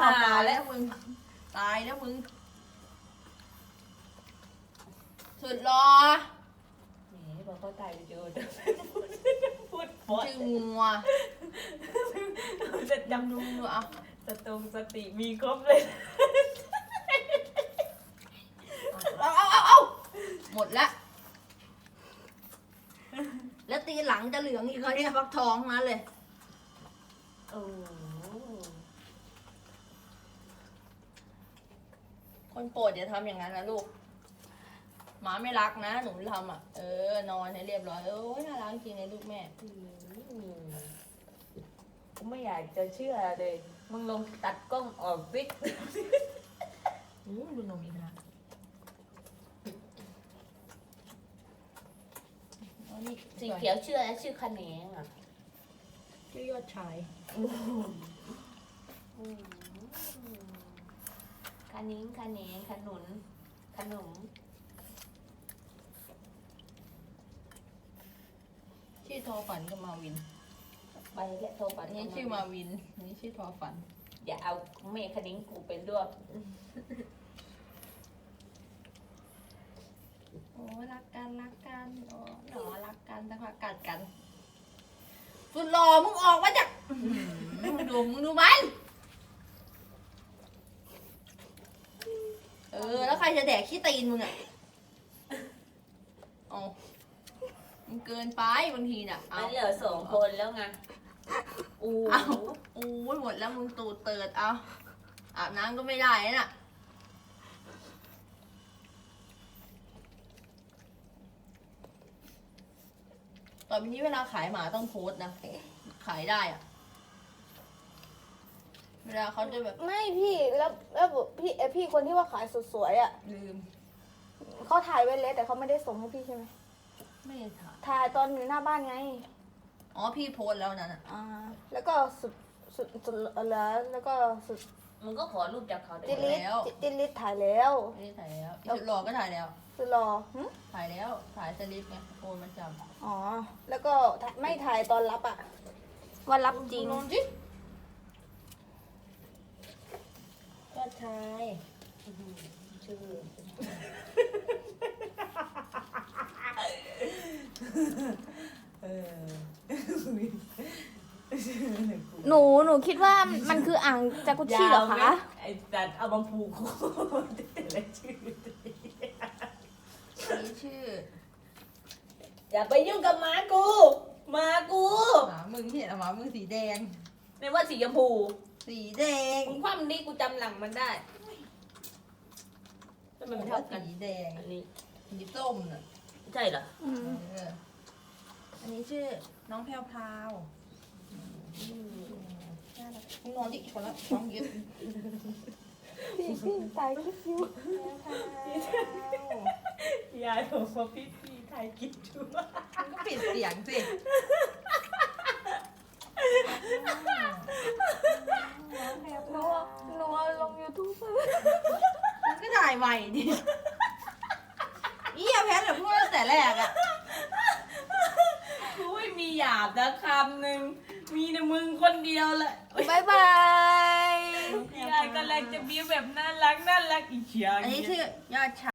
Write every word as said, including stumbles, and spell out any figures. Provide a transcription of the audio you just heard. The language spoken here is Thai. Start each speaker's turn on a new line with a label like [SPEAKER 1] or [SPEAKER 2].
[SPEAKER 1] หาแล้วมึงตายแล้วมึงสุดรอ
[SPEAKER 2] แหมบอกเขาตายเยอะพูดพอ
[SPEAKER 1] ชื่องัว
[SPEAKER 2] จะจำ
[SPEAKER 1] ดูดูเอา
[SPEAKER 2] สตรงสติมีครบเลย
[SPEAKER 1] เอาเอาเอาเอาหมดแล้วแล้วตีหลังจะเหลืองอีกเขาเนี่ยฟักทองนั้นเลย
[SPEAKER 2] โอ้
[SPEAKER 1] คนโปรดอย่าทำอย่างนั้นนะลูกหมาไม่รักนะหนูทำอ่ะเออนอนให้เรียบร้อยโอ้ยน่ารักจริงเลยลูกแม่
[SPEAKER 2] กูไม่อยากจะเชื่อเลยมึงลองตัดกล้องออกสิ
[SPEAKER 1] โอ้ดูนมอีกนะอ๋อนี่
[SPEAKER 2] สีเขียวชื่ออะไรชื่อคะแนนอ่ะ
[SPEAKER 1] ชื่อยอดชาย
[SPEAKER 2] คะนิ้งคะแนนขนุนขนม
[SPEAKER 1] ชื่อทอฝันกับมาวิน
[SPEAKER 2] ใบและโทรปั
[SPEAKER 1] อั
[SPEAKER 2] ด
[SPEAKER 1] นนี้ชื่อมาวินอันนี้ชื่อทอฝัน
[SPEAKER 2] อย่าเอาเมฆคณิ้งกูเป็นด้วย
[SPEAKER 1] โอ้รักกันรักกันโอ้หนอรักกันแต่ว่ากัดกันสุดหล่อมึงออกมาจากมึงดูมึงดูมันเออแล้วใครจะแดกขี้ตีนมึงอ่ะเอามันเกินไปบางทีน่ะเอา
[SPEAKER 2] มันเหลือสองคนแล้วไงอู้
[SPEAKER 1] เอาโอ้ยหมดแล้วมึงตูดเติดเอาอาบน้ำก็ไม่ได้น่ะต่อไปนี้เวลาขายหมาต้องโพสต์นะขายได้อะเวลาเขาจะแบบ
[SPEAKER 3] ไม่พี่แล้วแล้วพี่เอยพี่คนที่ว่าขายสุดสวยอ่ะ
[SPEAKER 1] ลืม
[SPEAKER 3] เขาถ่ายไว้แล้วแต่เขาไม่ได้ส่งให้พี่ใช่ไหม
[SPEAKER 1] ไม่ได้ถ่าย
[SPEAKER 3] ถ่ายตอนอยู่หน้าบ้านไง
[SPEAKER 1] อ๋อพี่โพสต์แล้วนั่นน่ะ
[SPEAKER 3] อ่าแล้วก็สุดสุดสุดแล้วแล้วก็สุด
[SPEAKER 2] มึงก็ขอรูปจากเขาได้
[SPEAKER 3] จิ
[SPEAKER 2] ไหม
[SPEAKER 3] ลิสจิลิสถ่ายแล้ว
[SPEAKER 1] ไม่ได้ถ่ายแล้วอีสุดหล่อก็ถ่ายแล้ว
[SPEAKER 3] สุดรอหึ
[SPEAKER 1] ถ่ายแล้วถ่ายสลิปไงโอนมันจ
[SPEAKER 3] อ๋อแล้วก็ถ่ายไม่ถ่ายตอนรับอ่ะว่ารับ
[SPEAKER 1] ำ
[SPEAKER 3] จริง
[SPEAKER 1] ลงจิ
[SPEAKER 2] ก็ชายชื่อเออ
[SPEAKER 3] หนูหนูคิดว่ามันคืออ่างจากุชชี่เหรอคะ
[SPEAKER 2] ไอ้สัตว์เอามาผูกคอแต่ละชื่อ
[SPEAKER 1] นี่ชื่อ
[SPEAKER 2] อย่าไปยุ่งกับหมากูหมากู
[SPEAKER 1] หมามึงไม่เห็นเหรอหมามึงสีแดง
[SPEAKER 2] ในว่าสีชมพู
[SPEAKER 1] สีแดง
[SPEAKER 2] มึงคว่ำนี่กูจำหลังมันได้แล้วมันไม่
[SPEAKER 1] เท่า
[SPEAKER 2] เท่ากัน
[SPEAKER 1] สีแดง
[SPEAKER 2] อันนี้
[SPEAKER 1] สีส้มน่ะ
[SPEAKER 2] ใช่เหรอ
[SPEAKER 3] อืม
[SPEAKER 1] เอออันนี้ชื่อน้องแพรวพราวน่ารักมึงนอนดิคนละท้องเยอะ
[SPEAKER 3] พี่พี่ตายคิดอยู่
[SPEAKER 2] ยายบอกว่าพี่พี่ถ่ายกินชัว
[SPEAKER 1] มึงก็ปิดเสียงสิ
[SPEAKER 3] หนูเอาหนูเอาลงยูทูบ
[SPEAKER 1] มึงก็ถ่ายใหม่ดิเอี้ยแพทย์เหรอพูดตั้งแต่แรกอะ
[SPEAKER 2] กูไม่มีหยาบนะคำหนึ่งมีแต่มึงคนเดียวแหละ
[SPEAKER 3] บายบาย
[SPEAKER 2] ยายกำลังจะมีแบบน่ารักน่ารักอีกอย่าง
[SPEAKER 1] อันนี้ชื่อยอดชาย